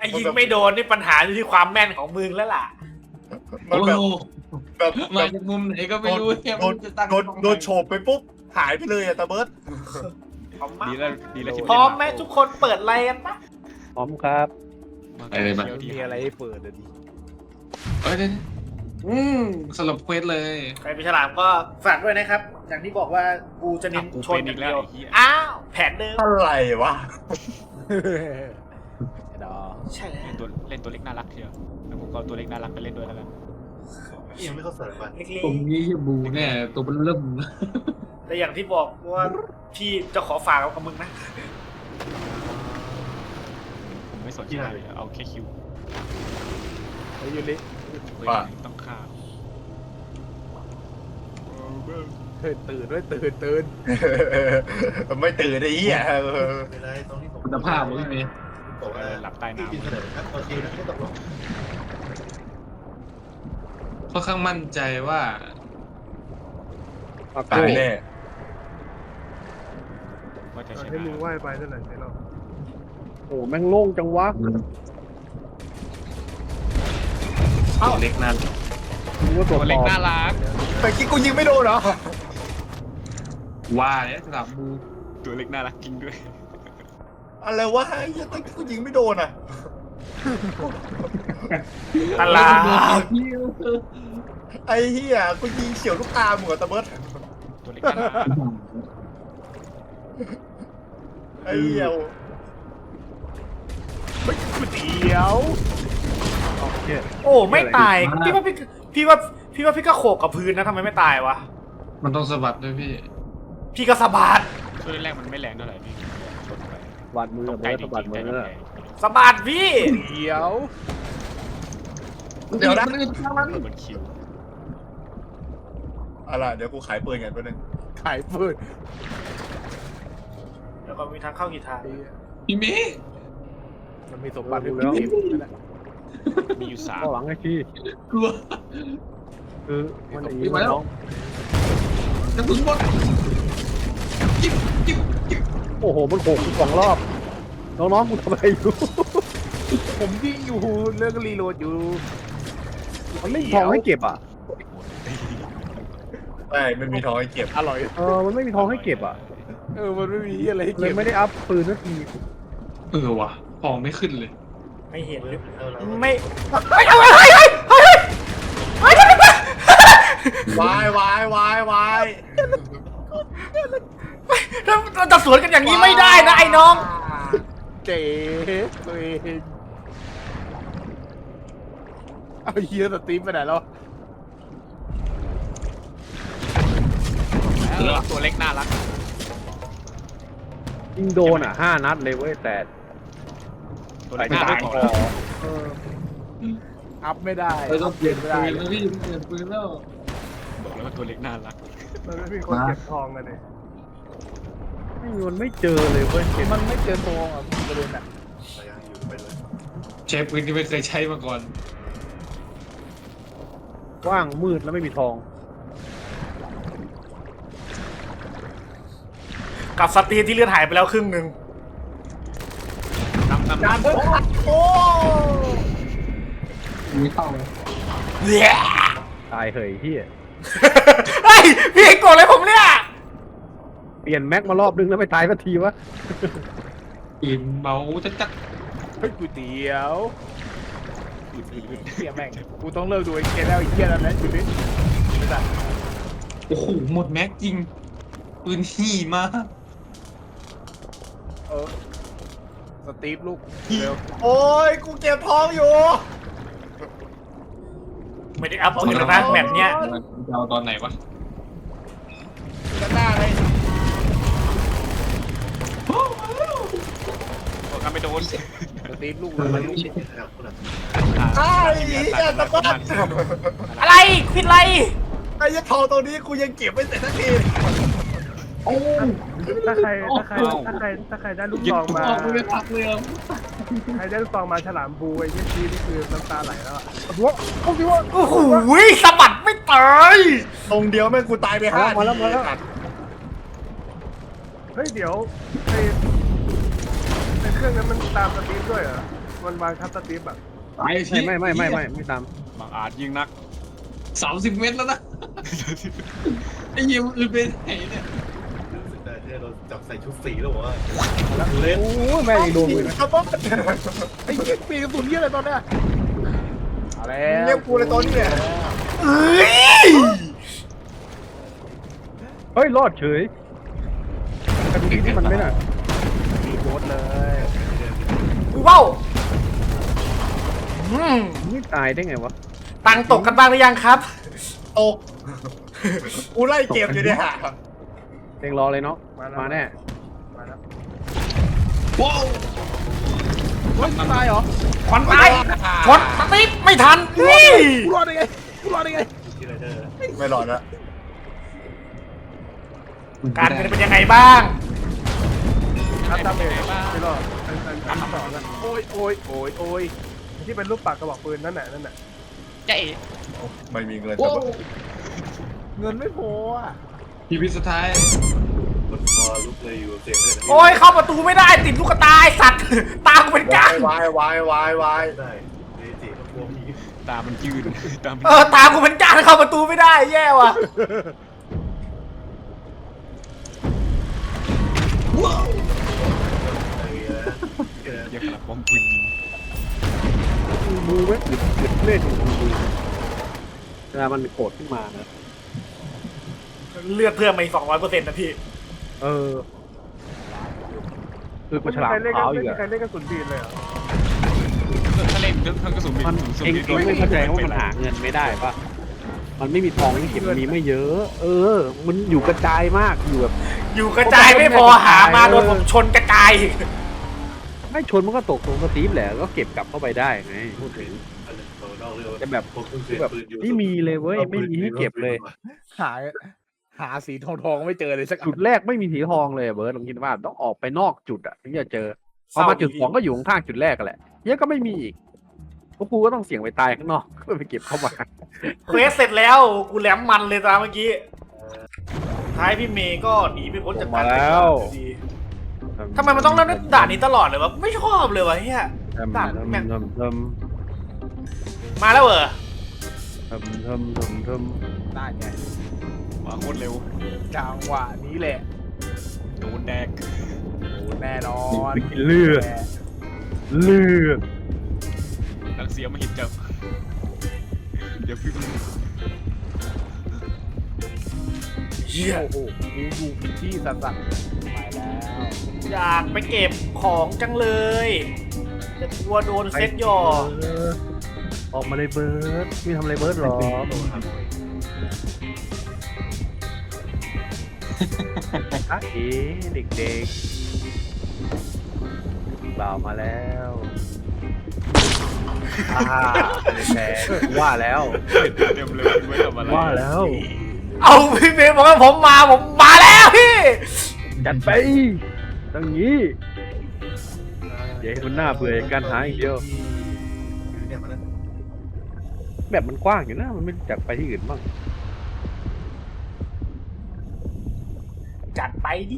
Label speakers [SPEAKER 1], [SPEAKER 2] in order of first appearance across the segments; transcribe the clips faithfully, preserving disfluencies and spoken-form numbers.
[SPEAKER 1] อ้ยิงไม่โดนนี่ปัญหาอยู่ที่ความแม่นของมึงแล้วล่ะ
[SPEAKER 2] มันแบบแบบ
[SPEAKER 3] มา
[SPEAKER 2] แบบ
[SPEAKER 3] จากมุมไหนก็ไม่รู้เนี่ย
[SPEAKER 2] โดนโดนโดนโฉบไปปุ๊บหายไปเลยอะตาเบิร์ด
[SPEAKER 1] พร้อมมาก
[SPEAKER 4] ดีแล้วดีแล้วที่
[SPEAKER 1] พร้อมไหมทุกคนเปิดไลน์กันปะ
[SPEAKER 5] พร้อมครับ
[SPEAKER 3] ไปเลยมา
[SPEAKER 4] มีอะไรให้เปิดเลยดิ
[SPEAKER 3] เอ้ยเดี๋ยวอืมสรุปเควสเลย
[SPEAKER 1] ใครเป็นฉลามก็ฝากด้วยนะครับ อย่างที่บอกว่ากูจะเน้น
[SPEAKER 4] กู
[SPEAKER 1] ช
[SPEAKER 4] เป็น น
[SPEAKER 1] อ
[SPEAKER 4] อี
[SPEAKER 1] ย่าง
[SPEAKER 4] กแล้
[SPEAKER 1] เดียว
[SPEAKER 4] วไอ้เหี้ย
[SPEAKER 1] อ้าวแผนเดิม
[SPEAKER 2] อะไรวะ
[SPEAKER 4] ไอ้ดอ
[SPEAKER 1] ใช่แล้ว
[SPEAKER 4] เล่นตัวเล่นตัวเล็กน่ารักเชียวแล้วผมก็เอาตัวเล็กน่ารักไปเล่นด้วยแล้วกัน
[SPEAKER 2] ยังไม่เข้าเสริมมัน
[SPEAKER 1] เล็ก
[SPEAKER 3] ตรงนี้บูเนี่ยตัวมันเริ่ม
[SPEAKER 1] ๆแต่อย่างที่บอกว่าพี่จะขอฝากกับมึงนะ
[SPEAKER 4] ผมไม่สนใจเลยเอาแค่คิว
[SPEAKER 5] เฮ้ยยูริ
[SPEAKER 4] เว้ยต้องฆ่า
[SPEAKER 5] เฮ้ยตื่นด้วยตื่นตื่น
[SPEAKER 2] ไม่ตื่นไอ้เหี้ย
[SPEAKER 3] คุณภาพมันไม่มี
[SPEAKER 2] บอกว่า
[SPEAKER 4] หลับใต้น้ำ
[SPEAKER 2] กินเสนอครับโอเคนะไม่ตกลง
[SPEAKER 3] ค่อนข้างมั่นใจว่า
[SPEAKER 2] ตายแน่
[SPEAKER 4] ว่าจะช
[SPEAKER 6] ให้
[SPEAKER 4] นะ
[SPEAKER 6] มึงว่ายไปนั่นแหละไอ้เรา
[SPEAKER 5] โอ้แม่งโล่งจังวะ
[SPEAKER 3] ตัวเล็กนั่น
[SPEAKER 5] มึงว่าตัว
[SPEAKER 4] ตัว
[SPEAKER 5] ปล
[SPEAKER 4] เล็ก
[SPEAKER 5] อม
[SPEAKER 4] น่ารัก
[SPEAKER 2] แต่กี้กูยิงไม่โดนเหรอ
[SPEAKER 3] ว่าเนี่ยสลับบู
[SPEAKER 4] ตัวเล็กน่ารักจริงด้วย
[SPEAKER 2] อะไรวะไอ้เหี้ยแต่กี้กูยิงไม่โดนอ่ะ
[SPEAKER 1] ตลาด
[SPEAKER 2] ไอ้เหี้ยกูยิงเฉียวลูกตามึงอะตาเบิร์ด
[SPEAKER 4] ตัวเล็กน่ารัก
[SPEAKER 2] ไอ้เหี้ย
[SPEAKER 5] เดี๋ยวโอเค
[SPEAKER 1] โอ้ไม่ตายพี่ว่าพี่พี่ว่าพี่ว่าพี่ก็โขกกับพื้นนะทำไมไม่ตายวะ
[SPEAKER 3] มันต้องสะบัดด้วยพี่
[SPEAKER 1] พี่ก็สะบัด
[SPEAKER 4] ตัวแรกมันไม่แรงเท่าไหร่พี่ชนไป
[SPEAKER 5] บาดมือ
[SPEAKER 4] ต้อง
[SPEAKER 5] เบิ
[SPEAKER 4] ไกล
[SPEAKER 5] ร์ด
[SPEAKER 4] จริ
[SPEAKER 5] สะบัด
[SPEAKER 4] งๆ
[SPEAKER 5] มื
[SPEAKER 4] แต่
[SPEAKER 5] อ
[SPEAKER 4] แรง
[SPEAKER 1] สะบัดพี่
[SPEAKER 5] เดี๋ยว
[SPEAKER 2] เดี๋ยวนะ
[SPEAKER 4] เปิดบนคิว
[SPEAKER 2] เอาล่ะเดี๋ยวกูขายปืนกันแป๊บนึง
[SPEAKER 5] ขายปืน
[SPEAKER 1] แล้วก็มีทางเข้ากี่ทาง
[SPEAKER 3] พี่เมย์
[SPEAKER 5] มันมีสมบัติอยู่แล้ว
[SPEAKER 4] มีอยู่สาม
[SPEAKER 5] ก็หวังให้พี่
[SPEAKER 3] กลัว
[SPEAKER 5] คือมันอย่างนี้
[SPEAKER 3] มาแล้ว
[SPEAKER 5] น้อง
[SPEAKER 3] กระสุนหมดจิ๊บจิ๊บจิ๊บ
[SPEAKER 5] โอ้โหมันโขกสองรอบน้องๆกูทำอะไรอยู่ ผมยิงอยู่เรื่องรีโหลดอยู่มันไม่มีทองให้เก็บอ่ะ
[SPEAKER 2] ไม่ไม่มีทองให้เก็บ
[SPEAKER 5] อร่อยเออมันไม่มีทองให้เก็บอ่ะ
[SPEAKER 6] เออมันไม่มีอะไรให้
[SPEAKER 5] เล
[SPEAKER 6] เก็
[SPEAKER 5] ย
[SPEAKER 6] บ
[SPEAKER 5] ไม่ได้อัพปืนสักที
[SPEAKER 3] เออว่ะของไม่ขึ้นเลย
[SPEAKER 1] ไม่เห็นหรือไม่เฮ้ยเฮ้ยเฮ้ยเฮ้ยเฮ้ยเฮ้ยเฮ้ยว
[SPEAKER 2] ายวายวายวาย
[SPEAKER 1] เราจะสวนกันอย่างนี้ไม่ได้นะไอ้น้อง
[SPEAKER 5] เจ๊ตัวเองเอาเฮียสตีฟไปไหนแล้ว
[SPEAKER 4] ตัวเล็กน่ารัก
[SPEAKER 5] ยิงโดนอ่ะห้านัดเลยเว้ยแต่
[SPEAKER 4] ตัวเล็กน่ารักพอ
[SPEAKER 5] เอออัพไม่ได้
[SPEAKER 3] เราต้องเปลี่ยน
[SPEAKER 5] ไม่
[SPEAKER 3] ปื
[SPEAKER 5] ได้
[SPEAKER 3] นแล้วพี่เปลี่ยนปืนแล้ว
[SPEAKER 4] บอกแล้วว่าตัวเล็กน่ารัก
[SPEAKER 6] มันไม่มีคนเก็บทองกันเลย
[SPEAKER 5] ไม่มีมันไม่เจอเลยเว้ย
[SPEAKER 6] มันไม่เจอทองอ่ะประเด็นอ่ะ
[SPEAKER 3] ใช้ปืนที่ไม่เคยใช้มาก่อน
[SPEAKER 5] ว่างมืดแล้วไม่มีทอง
[SPEAKER 1] กับสตีนที่เลือดหายไปแล้วครึ่งหนึ่ง
[SPEAKER 4] น้ำน้ำน้ำ
[SPEAKER 2] โอ้
[SPEAKER 3] มีเข้าเลย
[SPEAKER 1] เหี้ย
[SPEAKER 5] ตายเหยที่
[SPEAKER 1] เฮ้ยพี่โกรธเลยผมเนี่ย
[SPEAKER 5] เปลี่ยนแม็กมารอบนึงแล้วไม่ตายสักทีวะ
[SPEAKER 3] อินเมาจะจัก
[SPEAKER 6] เฮ้ยกูเตี๋ยวเสียแม่งกูต้องเลิกดูไอ้เกมแล้วไอ้เหี้ยแล้วนะจุดนี้ไม่ได้
[SPEAKER 3] โอ้โหหมดแม็กจริงปืนหี่มาก
[SPEAKER 6] เออสตีฟลูกเร็ว
[SPEAKER 2] โอ้ยกูเก็บทองอยู่
[SPEAKER 1] ไม่ได้อัพปืนแล้วนะแบบเนี้ย
[SPEAKER 3] จะเอาตอนไหนวะ
[SPEAKER 2] กันหน้าเลย
[SPEAKER 4] บอกกันไม่โดน
[SPEAKER 6] สตีฟลูกมันลูก
[SPEAKER 2] ไอ้เหี้ยตะบัด
[SPEAKER 1] อะไรผิดอะไร
[SPEAKER 2] ไอ้เหี้ยทองตัวนี้กูยังเก็บไม่เสร็จสักที
[SPEAKER 6] ถ้าใครถ้าใครถ้าใครถ้าใครได้ลูก
[SPEAKER 3] ยิ
[SPEAKER 6] ซ
[SPEAKER 3] ง
[SPEAKER 6] อง
[SPEAKER 3] ตัว
[SPEAKER 6] มา
[SPEAKER 3] ออกไม่พักเลยอ่ะ
[SPEAKER 6] ใครได้ลูกซองมาฉลามบูไอ้เหี้ยชีนี่คือน้ำตาไหลแล้วอ่ะหัวโอ้โห
[SPEAKER 1] โอ้โหสะบัดไม่ตาย
[SPEAKER 2] ตรงเดียวแม่งกูตายไปห้า
[SPEAKER 5] มาแล้วมาแล้ว
[SPEAKER 6] เฮ้ยเดี๋ยวไอ้ไอ้เครื่องนั้นมันตามสตีฟด้วยเหรอ
[SPEAKER 5] มันวางคัสตรีมแบบ
[SPEAKER 3] ตาย
[SPEAKER 5] ไม่ไม่ไม่ไม่ไม่ไม่ตาม
[SPEAKER 4] บางอาจยิงนัก
[SPEAKER 3] สามสิบเมตรแล้วนะไอ้ยิมอื่นไปไหนเนี่ย
[SPEAKER 2] รู้สึกได้ที่เราจับใส่ชุดสีแล้ววะ
[SPEAKER 5] เล่นโอ้ยแม่ยังโดนเลยนะ
[SPEAKER 2] ครับผม
[SPEAKER 5] ไอ้เหี้ยปีกระสุนเยอะเลยตอนเนี้ยเอาแล้ว
[SPEAKER 2] เรียกกูเลยตอนนี้เนี่ย
[SPEAKER 1] เอ้ย
[SPEAKER 5] เฮ้ยรอดเฉยแต่ดูที่มันไม่น่ะมีโคตรเลย
[SPEAKER 1] กูเบ้าอืม
[SPEAKER 5] ไม่ตายได้ไงวะ
[SPEAKER 1] ตังค์ตกกันบ้างหรือยังครับ
[SPEAKER 2] ตกกูไล่เกมอยู่เนี่ย
[SPEAKER 5] เต็งรอเลยเนาะมาแน่
[SPEAKER 3] ว้าว
[SPEAKER 5] เฮ้ยตายเหรอ
[SPEAKER 1] ควันตายควันสติ๊กไม่ทันนี่
[SPEAKER 5] กูรอดได้ไงกูรอดได้ไง
[SPEAKER 2] ไม่รอดละ
[SPEAKER 1] การเงินเป็นยังไงบ้าง
[SPEAKER 5] อัพดาเมจไม่รอดอันอันอันสองอะโอ้ยโอ้ยโอ้ยโอ้ยที่เป็นรูปปากกระบอกปืนนั่นน่ะนั่นน่ะ
[SPEAKER 4] เจ๊
[SPEAKER 2] ไม่มีเงิน
[SPEAKER 3] โอ้
[SPEAKER 2] แต่ว่า
[SPEAKER 5] เงินไม่พออ่ะ
[SPEAKER 3] ทีพีสุดท้าย
[SPEAKER 2] มันพอลุกเลยอยู่เสียงเลย
[SPEAKER 1] โอ้ยเข้าประตูไม่ได้ติดลูกตาไอ้สัตว์ตากูเป็นก้าง
[SPEAKER 2] วายวายวายวายได้เดจิมันกลัวผี
[SPEAKER 4] ตามันยืนตามัน
[SPEAKER 1] เออตากูเป็นก้างเข้าประตูไม่ได้แย่ว่ะ
[SPEAKER 3] ว้าว
[SPEAKER 4] เรียกหลักป้อมปืนยิง
[SPEAKER 5] มือไม่อึดอึดเล่นมือเวลามันโกรธขึ้นมานะ
[SPEAKER 1] เลือดเพิ่มมาอีกสองร้อยเปอร์เซ็นต์นะพี่
[SPEAKER 5] เออคือกูฉลามขาวอยู่อะ
[SPEAKER 6] ใครเล่นกระสุนบีนเลยอ่ะ
[SPEAKER 4] ถ้าเล่นเครื่องกระสุนบิน
[SPEAKER 5] มัน
[SPEAKER 4] สูงสุด
[SPEAKER 5] เอง
[SPEAKER 4] นี่
[SPEAKER 5] เองไม่เข้าใจว่ามันหาเงินไม่ได้ปะมันไม่มีทองไม่เก็บมันมีไม่เยอะ เออ มันอยู่กระจายมากอยู่แบบ
[SPEAKER 1] อยู่กระจายไม่พอหามาโดนผมชนกระจายอีก
[SPEAKER 5] ไม่ชนมันก็ตกตรงสตีฟแหละก็เก็บกลับเข้าไปได้ไงพูดถึงแต่แบบแบบไม่มีเลยเว้ยไม่มีให้เก็บเลย
[SPEAKER 6] หาหาสีทองทองไม่เจอเลยสัก
[SPEAKER 5] จุดแรกไม่มีสีทองเลยอะเบิร์ดลองคิดว่าต้องออกไปนอกจุดอ่ะถึงจะเจอพอมาจุดสองก็อยู่ข้างๆจุดแรกกันแหละเยอะก็ไม่มีอีกพวกกูก็ต้องเสี่ยงไปตายข้างนอกเพื่อไปเก็บเข้ามา
[SPEAKER 1] เควสเสร็จแล้วกูแหลมมันเลยตามเมื่อกี้ท้ายพี่เมย์ก็หนีไปพ้นจากการเป็นด่านอยู่ดีทำไมมันต้องเล่นด่านนี้ตลอดเลยวะไม่ชอบเลยวะเฮีย
[SPEAKER 5] ทำ
[SPEAKER 1] ด่าน
[SPEAKER 5] ทำ
[SPEAKER 1] แม่ง
[SPEAKER 5] ทำท
[SPEAKER 1] มาแล้วเหรอ
[SPEAKER 5] ำทำทำทำท
[SPEAKER 6] ได้ไง
[SPEAKER 4] มาโคตรเร็ว
[SPEAKER 6] จังหวะนี้แหละ
[SPEAKER 4] โดนแดก
[SPEAKER 6] โอ้แน่นอน
[SPEAKER 5] ำเลือดเลือด
[SPEAKER 4] นักเสียมาหินจับเดี๋ยวพี่
[SPEAKER 1] เฮีย
[SPEAKER 6] โอ้โหกูอยู่ผิดที่สัสๆไปแล้ว
[SPEAKER 1] อยากไปเก็บของจังเลยแต่กลัวโดนเซ็ตหย่อ
[SPEAKER 5] เออออกมาเลยเบิร์ดไม่ทำอะไรเบิร์ดหรออ่ะเอ๋เด็กๆบ่าวมาแล้วอ่าแพ้ว่าแล้ว
[SPEAKER 4] เต็มเลยไม่ทำอะไร
[SPEAKER 5] ว่าแล้ว
[SPEAKER 1] เอาพี่เมย์บอกว่าผมมาผมมาแล้วพี่
[SPEAKER 5] จัดไปตั้งนี้อย่าให้มันหน้าเบื่อกับการหาอย่างเดียวแบบมันกว้างอยู่นะมันไม่จัดไปที่อื่นบ้าง
[SPEAKER 1] จัดไปดิ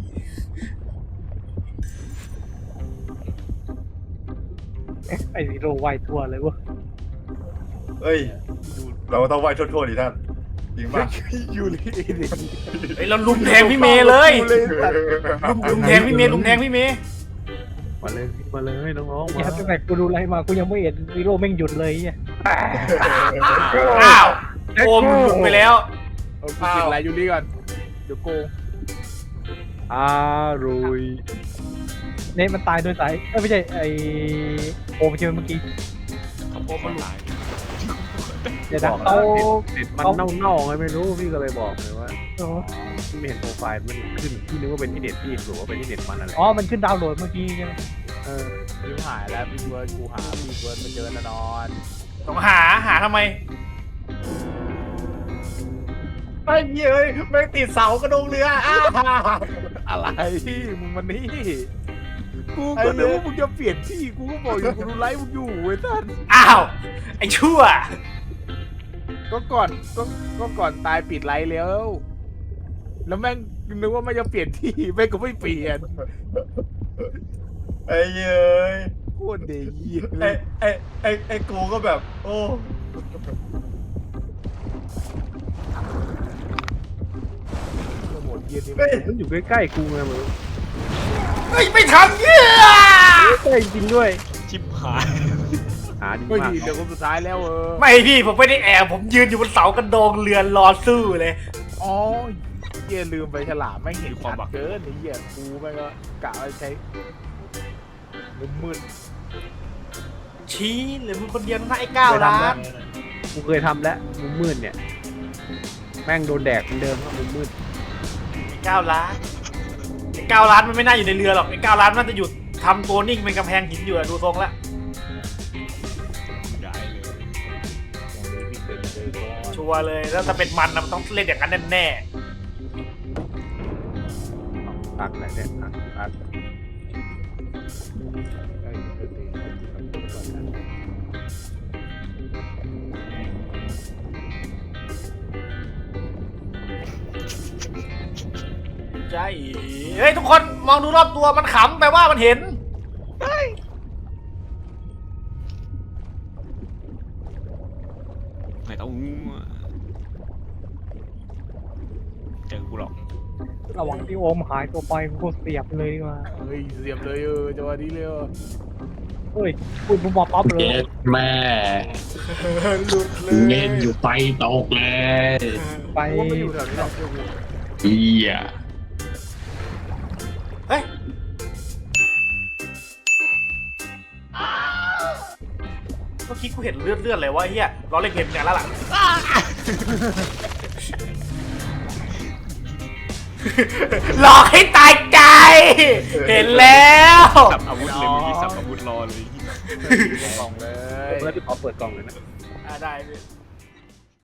[SPEAKER 5] ไอ้นี่โรไวทัวร์เลยวะ
[SPEAKER 2] เฮ้ยเราต้องไหว้ทั่วๆดิท่านจริงป่ะ
[SPEAKER 6] ยูริดิ
[SPEAKER 1] เฮ้ยเราลุมแทงพี่เมย์เลย
[SPEAKER 6] กูเลยสัตว์
[SPEAKER 1] ลุมลุมแทงพี่เมย์ลุมแทงพี่เมย์
[SPEAKER 5] มาเลยมาเลยน้องๆ
[SPEAKER 7] อย่า
[SPEAKER 5] มา
[SPEAKER 7] ตั้งแต่กูดูไลฟ์มากูยังไม่เห็นวีโร่แม่งหยุดเลยเนี่ย
[SPEAKER 1] อ้าวโอมลุมไปแล้ว
[SPEAKER 6] เอากูปิดไลน์ยูริก่อนเดี๋ยวโกง
[SPEAKER 5] อร่อย
[SPEAKER 7] เนทมันตายโดยสายเอ้ยไม่ใช่ไอโอมใช่ไหมเมื่อกี้
[SPEAKER 4] เขาบอกมันตาย
[SPEAKER 7] เดี๋ยว
[SPEAKER 5] บ
[SPEAKER 7] นะ
[SPEAKER 5] อก
[SPEAKER 7] เขา
[SPEAKER 5] เน็ตมันเน่าๆไงไม่รู้พี่ก็เลยบอกเลยว่า
[SPEAKER 7] โอ้
[SPEAKER 5] พี่ไม่เห็นโปรไฟล์มันขึ้นพี่นึกว่าเป็นที่เน็ตพี่หรือว่าเป็นที่เน็ตมันอะไร
[SPEAKER 7] อ๋อมันขึ้นดาวน์โหลดเมื่อกี้ใช่ไหม
[SPEAKER 5] เออ
[SPEAKER 6] ยูหายแล้วพี่เบิร์ดกูหาพี่เบิร์ดมาเจอแน่นอน
[SPEAKER 1] ต้องหาหาทำไม
[SPEAKER 2] ไอ้เหี้ยเอ้ยแม่งติดเสากระดงเรืออ้า
[SPEAKER 6] อะไรมึงมันนี่กูก็นึกว่ามึงจะเปลี่ยนที่กูก็บอกอยู่กูดูไลฟ์มึงอยู่เว้ยท่าน
[SPEAKER 1] อ้าวไอ้ชั่ว
[SPEAKER 6] ก็ก่อนก็ก็ก่อนตายปิดไลฟ์แล้ว แล้วแม่งนึกว่าไม่จะเปลี่ยนที่แม่งก็ไม่เปลี่ยน
[SPEAKER 2] ไอ้เหี้ยเอ้ย
[SPEAKER 6] โคตรเดีย
[SPEAKER 2] ไอ้ไอ้ไอ้ไอ้กูก็แบบ โอ้
[SPEAKER 6] หมดเยียนี่
[SPEAKER 2] เฮ้ย
[SPEAKER 5] มันอยู่ใกล้ๆกูไงมึง
[SPEAKER 1] เฮ้ยไม่ทำเหี้ย
[SPEAKER 5] ใกล้จริงด้วย
[SPEAKER 4] ชิบหาย
[SPEAKER 5] หาดี
[SPEAKER 6] เฮ้ย
[SPEAKER 5] มาก
[SPEAKER 6] เดี๋ยวคนสุดท้ายแล้วเออ
[SPEAKER 1] ไม่พี่ผมไม่ได้แอบผมยืนอยู่บนเสากระโดงเรือนรอสู้เลย
[SPEAKER 6] อ๋อเยียลืมไปฉลามไม่เห็นชัดเกินไอ้เหี้ยกูแม่งก็กะว่าใช้มืดมืด
[SPEAKER 1] ชี้เหรือมึงคนเดียวนะไอ้เก้าล้าน
[SPEAKER 5] กูเคยทำแล้วมุมมืดเนี่ย แม่งโดนแดกเหมือนเดิมครับมุมมืด
[SPEAKER 1] ไอ้เก้าล้านไอ้เก้าล้านมันไม่น่าอยู่ในเรือหรอกไอ้เก้าล้านน่าจะอยู่ทำตัวนิ่งเป็นกำแพงหินอยู่อะดูทรงแล้ว
[SPEAKER 4] ได้เลย
[SPEAKER 6] อย่างนี้พี่เป็นเลยก่อน
[SPEAKER 1] ชัวร์เลยแล้วถ้าเป็นมันนะมันต้องเล่นอย่างนั้นแน่
[SPEAKER 5] ตักไหนเนี่ยตักตัก
[SPEAKER 6] ได้เดี๋ยวตีก่อนนะ
[SPEAKER 1] ๆใช่เฮ้ยทุกคนมองดูรอบตัวมันขำแปลว่ามันเห็น
[SPEAKER 4] ไม่ต้องเจอกูหรอก
[SPEAKER 7] ระหว่างที่โอมหายตัวไปกูก็เสียบเลยดีกว่า
[SPEAKER 6] เฮ้ยเสียบเลยเออจังหวะนี้เลยเออ
[SPEAKER 7] เฮ้ยพูดปุ๊บมาปั๊บเลย
[SPEAKER 8] เจ็ดแม่
[SPEAKER 1] หลุดเล
[SPEAKER 8] เล่นอยู่ไฟตกเลย
[SPEAKER 7] ไป
[SPEAKER 6] กูว่าไม่อยู่แถวนี้หรอกเจ้ากู
[SPEAKER 8] เฮีย
[SPEAKER 1] เฮ้ยเมื่อกี้กูเห็นเลือดเลือดเลยวะไอ้เฮียล้อเล่นเกมกันแล้วล่ะ หลอกให้ตายใจ เห็นแล้ว
[SPEAKER 4] สับอาวุธเลยมีสับอาวุธรอเลย
[SPEAKER 6] กล่องเลย
[SPEAKER 5] เปิดไปขอเปิดกล่องเลยนะ
[SPEAKER 1] อ่าได้พี่